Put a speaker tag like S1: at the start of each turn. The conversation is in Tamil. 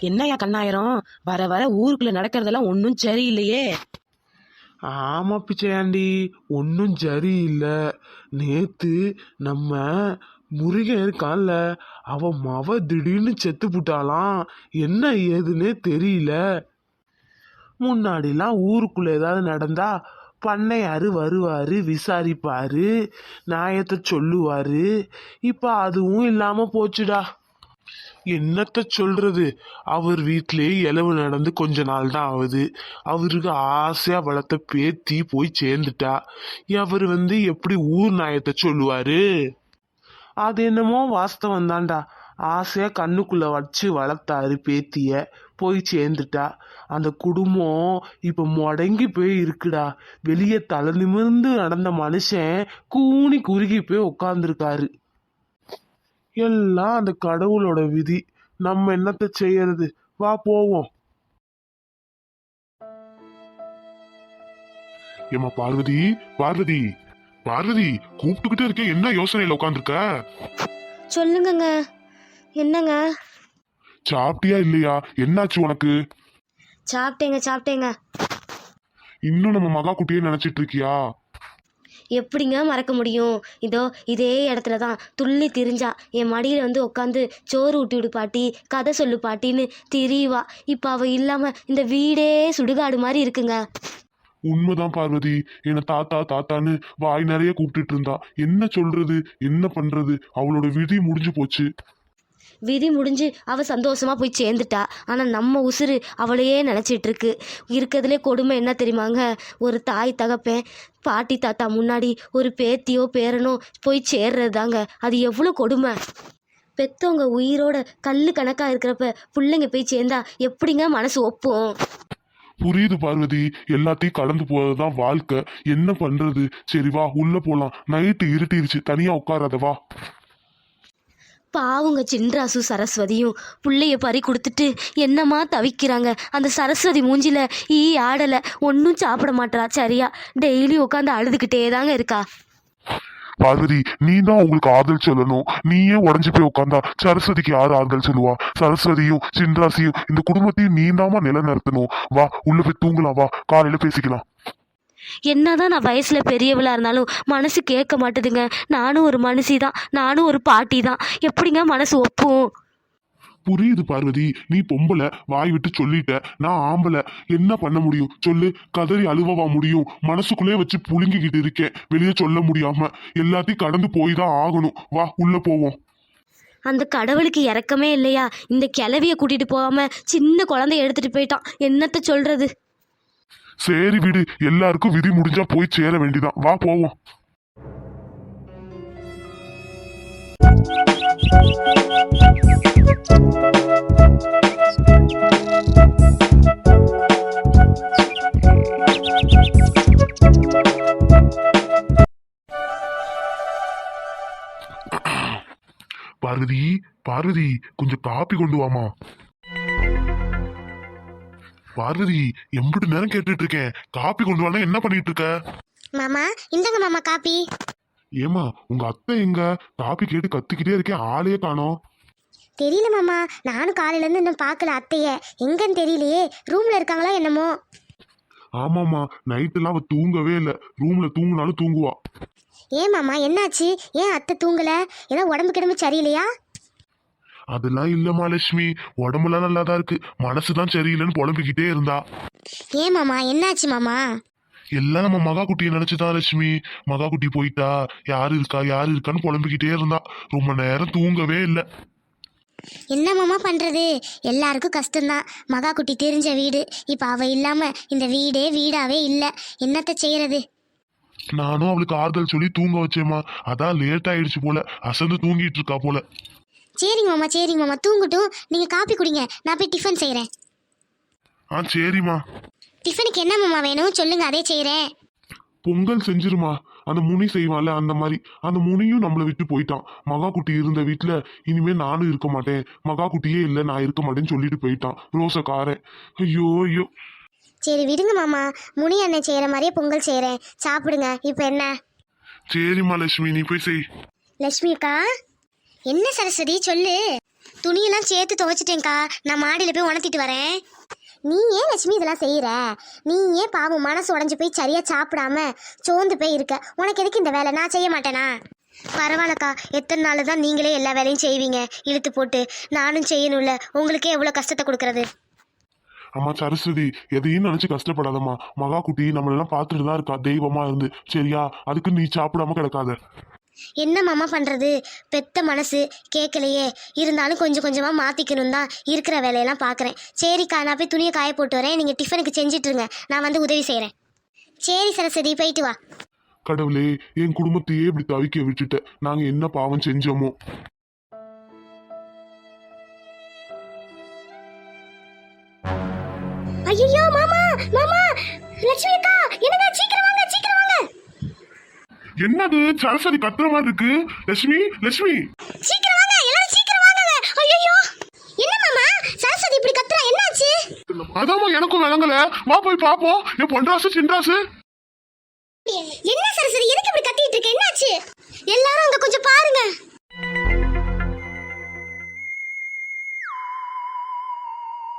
S1: என்னையா கண்ணாயிரம், வர வர ஊருக்குள்ள நடக்கிறதெல்லாம் ஒன்றும் சரியில்லையே.
S2: ஆமா பிச்சையாண்டி, ஒன்றும் சரியில்லை. நேத்து நம்ம முருகன் இருக்கான்ல, அவன் மவ திடீர்னு செத்து புட்டாலாம். என்ன ஏதுன்னே தெரியல. முன்னாடிலாம் ஊருக்குள்ள ஏதாவது நடந்தா பண்ணையாரு வருவாரு, விசாரிப்பாரு, நியாயத்தை சொல்லுவாரு. இப்ப அதுவும் இல்லாம போச்சுடா. என்னத்த சொல்றது, அவர் வீட்டிலேயே இளவு நடந்து கொஞ்ச நாள் தான் ஆகுது. அவருக்கு ஆசையா வளர்த்த பேத்தி போய் சேர்ந்துட்டா. அவர் எப்படி ஊர் நியாயத்தை சொல்லுவாரு? அது என்னமோ வாஸ்தவம் தான்டா. ஆசையா கண்ணுக்குள்ள வச்சு வளர்த்தாரு பேத்திய, போய் சேர்ந்துட்டா. அந்த குடும்பம் இப்ப முடங்கி போய் இருக்குடா. வெளியே தலை நிமிர்ந்து நடந்த மனுஷன் கூனி குறுகி போய் உட்கார்ந்துருக்காரு. எல்லாம் அந்த கடவுளோட விதி. நம்ம என்னத்த செய்யறது? வா போவோம்.
S3: ஏமா பார்வதி, பார்வதி, பார்வதி, கூப்பிட்டுக்கிட்டே இருக்கேன், என்ன யோசனையில உட்காந்துருக்க?
S4: சொல்லுங்கங்க. என்னங்க?
S3: சாப்பிட்டியா இல்லையா? என்னாச்சு உனக்கு?
S4: சாப்பிட்டேங்க.
S3: இன்னும் நம்ம மகா குட்டியே நினைச்சிட்டு இருக்கியா?
S4: எப்படிங்க மறக்க முடியும்? இதே இடத்துல தான் துள்ளி திரிஞ்சா. என் மடியில் உட்காந்து சோறு ஊட்டி விடு பாட்டி, கதை சொல்லு பாட்டின்னு திரிவா. இப்போ அவள் இல்லாமல் இந்த வீடே சுடுகாடு மாதிரி இருக்குங்க.
S3: உண்மைதான் பார்வதி, என்ன தாத்தா தாத்தான்னு வாய் நிறைய கூப்பிட்டுட்டு இருந்தா. என்ன சொல்றது, என்ன பண்றது? அவளோட விதி முடிஞ்சு போச்சு.
S4: விதி முடிஞ்சு அவள் சந்தோஷமா போய் சேர்ந்துட்டா. ஆனால் நம்ம உசுறு அவளையே நினச்சிட்டு இருக்கு. இருக்கிறதுலே கொடுமை என்ன தெரியுமாங்க? ஒரு தாய் தகப்பேன் பாட்டி தாத்தா முன்னாடி ஒரு பேத்தியோ பேரனோ போய் சேர்றது தாங்க. அது எவ்வளோ கொடுமை. பெத்தவங்க உயிரோட கல்லு கணக்காக இருக்கிறப்ப பிள்ளைங்க போய் சேர்ந்தா எப்படிங்க மனசு ஒப்பும்?
S3: புரியுது பார்வதி, எல்லாத்தையும் கடந்து போறதுதான் வாழ்க்கை. என்ன பண்றது? சரி வா உள்ள போலாம். நைட்டு இருட்டிருச்சு, தனியா உட்காராத வா.
S4: பாவுங்க சின்ராசு சரஸ்வதியும் பிள்ளைய பறி கொடுத்துட்டு என்னமா தவிக்கிறாங்க. அந்த சரஸ்வதி மூஞ்சில ஆடலை, ஒன்றும் சாப்பிட மாட்டா. சரியா டெய்லி உட்காந்து அழுதுகிட்டே தாங்க இருக்கா.
S3: பார்வதி, நீ தான் உங்களுக்கு ஆறுதல் சொல்லணும். நீயே உடஞ்சு போய் உட்காந்தா சரஸ்வதிக்கு யாரு ஆறுதல் சொல்லுவா? சரஸ்வதியும் சின்ராசியும் இந்த குடும்பத்தையும் நீ தாமா நிலைநிறுத்தணும். வா உள்ள போய் தூங்கலாம், வா காலையில பேசிக்கலாம்.
S4: என்னதான் நான் வயசுல பெரியவளா இருந்தாலும் மனசு கேட்க மாட்டுதுங்க. நானும் ஒரு மனுஷி தான், நானும் ஒரு பாட்டி தான். எப்படிங்க மனசு ஒப்பும்?
S3: புரியுது பார்வதி, நீ பொம்பளை, வாய் விட்டு சொல்லிட்ட. நான் ஆம்பளை, என்ன பண்ண முடியும் சொல்லு? கதறி அழுவவா முடியும்? மனசுக்குள்ளே வச்சு புழுங்கிக்கிட்டு இருக்கேன், வெளியே சொல்ல முடியாம. எல்லாத்தையும் கடந்து போய் தான் ஆகணும். வா உள்ள போவோம்.
S4: அந்த கடவுளுக்கு இறக்கமே இல்லையா? இந்த கிளவிய கூட்டிட்டு போகாம சின்ன குழந்தைய எடுத்துட்டு போயிட்டான். என்னத்த சொல்றது?
S3: சரி விடு, எல்லாருக்கும் விதி முடிஞ்சா போய் சேர வேண்டிதான். வா போவோம். பார்வதி, பார்வதி, கொஞ்சம் காப்பி கொண்டு வாமா. பார்வதி, எம்பிட்டு நேரம் கேட்டுட்டு இருக்கேன், காப்பி கொண்டு வானா என்ன பண்ணிட்டு இருக்க?
S5: மாமா இந்தங்க மாமா காப்பி.
S3: ஏமா உங்க அத்தை எங்க? காப்பி கேட்டு கத்திக்கிட்டே இருக்கேன், ஆளையே காணோம்.
S5: தெரியல மாமா, நானும் காலையில இருந்து இன்னும் பார்க்கல அத்தைய. எங்கன்னு தெரியலையே, ரூம்ல இருக்காங்களா என்னமோ.
S3: ஆமாமா, நைட்டுலாம் அவ தூங்கவே இல்லை. ரூம்ல தூங்குனாலும் தூங்குவா.
S5: ஏன் மாமா என்னாச்சு? ஏன் அத்தை தூங்கல? ஏதோ உடம்பு கிடம்பு சரியில்லையா?
S3: அதெல்லாம் இல்லம்மா லட்சுமி, உடம்புலாம் நல்லாதான் இருக்கு. மனசுதான் சரியில்லைன்னு புலம்பிக்கிட்டே இருந்தா.
S5: ஏன் மாமா என்னாச்சு மாமா?
S3: எல்லாம் நம்ம மகா குட்டியை நினைச்சுதான் லட்சுமி. மகா குட்டி போயிட்டா, யாரு இருக்கா யாரு இருக்கான்னு புலம்பிக்கிட்டே இருந்தா. ரொம்ப நேரம் தூங்கவே இல்லை.
S5: என்ன மாமா பண்றது? எல்லாருக்கும் கஷ்டம்தான். மகா குட்டி தெரிஞ்ச வீடு, இப்ப அவ இல்லாம இந்த வீடே வீடாவே இல்லை. என்னத்த செய்யறது?
S3: நானும் அவளுக்கு ஆறுதல் சொல்லி தூங்க வச்சேம்மா. அதான் லேட் ஆயிடுச்சு போல, அசந்து தூங்கிட்டு இருக்கா போல.
S5: சரிங்க மாமா தூங்கட்டும். நீங்க காப்பி குடிங்க, நான் போய் டிஃபன் செய்யறேன்.
S3: சரிம்மா.
S5: டிஃபனுக்கு என்ன மாமா வேணும் சொல்லுங்க, அதே செய்யறேன்.
S3: பொங்கல் செஞ்சிருமா. அந்த முனி செய்வான்ல, அந்த மாதிரி. அந்த முனியும் நம்மளை விட்டு போயிட்டான். மகா குட்டி இருந்த வீட்டுல இனிமே நானும் இருக்க மாட்டேன், மகா குட்டியே இல்லை, நான் இருக்க மாட்டேன்னு சொல்லிட்டு போயிட்டான் ரோசக்காரன். ஐயோ ஐயோ.
S5: சரி விடுங்க மாமா, முனி அண்ணன் செய்யற மாதிரியே பொங்கல் செய்யறேன், சாப்பிடுங்க. இப்ப என்ன?
S3: சரிம்மா லட்சுமி, நீ போய் செய்.
S5: லட்சுமி அக்கா. என்ன சரஸ்வதி சொல்லு. துணியெல்லாம் சேர்த்து துவைச்சிட்டேன்க்கா. நான் மாடியில் போய் உணர்த்திட்டு வரேன். நீ ஏன் லட்சுமி இதெல்லாம் செய்கிற? நீ ஏன் பாவம் மனசு உடஞ்சி போய் சரியாக சாப்பிடாம சோர்ந்து போய் இருக்க? உனக்கு எதுக்கு இந்த வேலை? நான் செய்ய மாட்டேனா? பரவாயில்லக்கா, எத்தனை நாள் தான் நீங்களே எல்லா வேலையும் செய்வீங்க இழுத்து போட்டு? நானும் செய்யணும்ல, உங்களுக்கே எவ்வளோ கஷ்டத்தை கொடுக்கறது.
S3: அம்மா சரஸ்வதி, எதையும் நினைச்சு கஷ்டப்படாதம்மா. மகா குட்டி நம்மளெல்லாம் பார்த்துட்டு தான் இருக்கா தெய்வமா இருந்து, சரியா? அதுக்கு நீ சாப்பிடாம கிடக்காத.
S5: என்ன மாமா பண்ணுறது? பெத்த மனசு கேட்கலையே. இருந்தாலும் கொஞ்சம் கொஞ்சமாக மாற்றிக்கணும் தான் இருக்கிற வேலையெல்லாம் பார்க்குறேன். சரிக்கா, நான் போய் துணியை காய போட்டு வரேன். நீங்கள் டிஃபனுக்கு செஞ்சிட்ருங்க, நான் வந்து உதவி செய்கிறேன். சரி சரஸ்வதி, போயிட்டு வா.
S3: கடவுளே, என் குடும்பத்தையே இப்படி தவிக்க விட்டுட்ட. நாங்க என்ன பாவம் செஞ்சோமோ?
S5: ஐயோ மாமா, மாமா, லட்சுமி அக்கா, என்னங்க, சீக்கிரம் வாங்க, சீக்கிரம் வாங்க.
S3: என்னது சரஸ்வதி கத்துற மாதிரி இருக்கு? லட்சுமி, லட்சுமி,
S5: சீக்கிரம் வாங்க, எல்லாரும் சீக்கிரம் வாங்க. ஐயோ, என்ன மாமா சரஸ்வதி இப்படி கத்துறா? என்னாச்சு?
S3: அதாம்மா எனக்கும் விளங்கல. வா போய் பாப்போம். என் பொன்ராசு சின்ராசு.
S5: என்ன சரஸ்வதி, எதுக்கு இப்படி கத்திட்டு இருக்க? என்னாச்சு?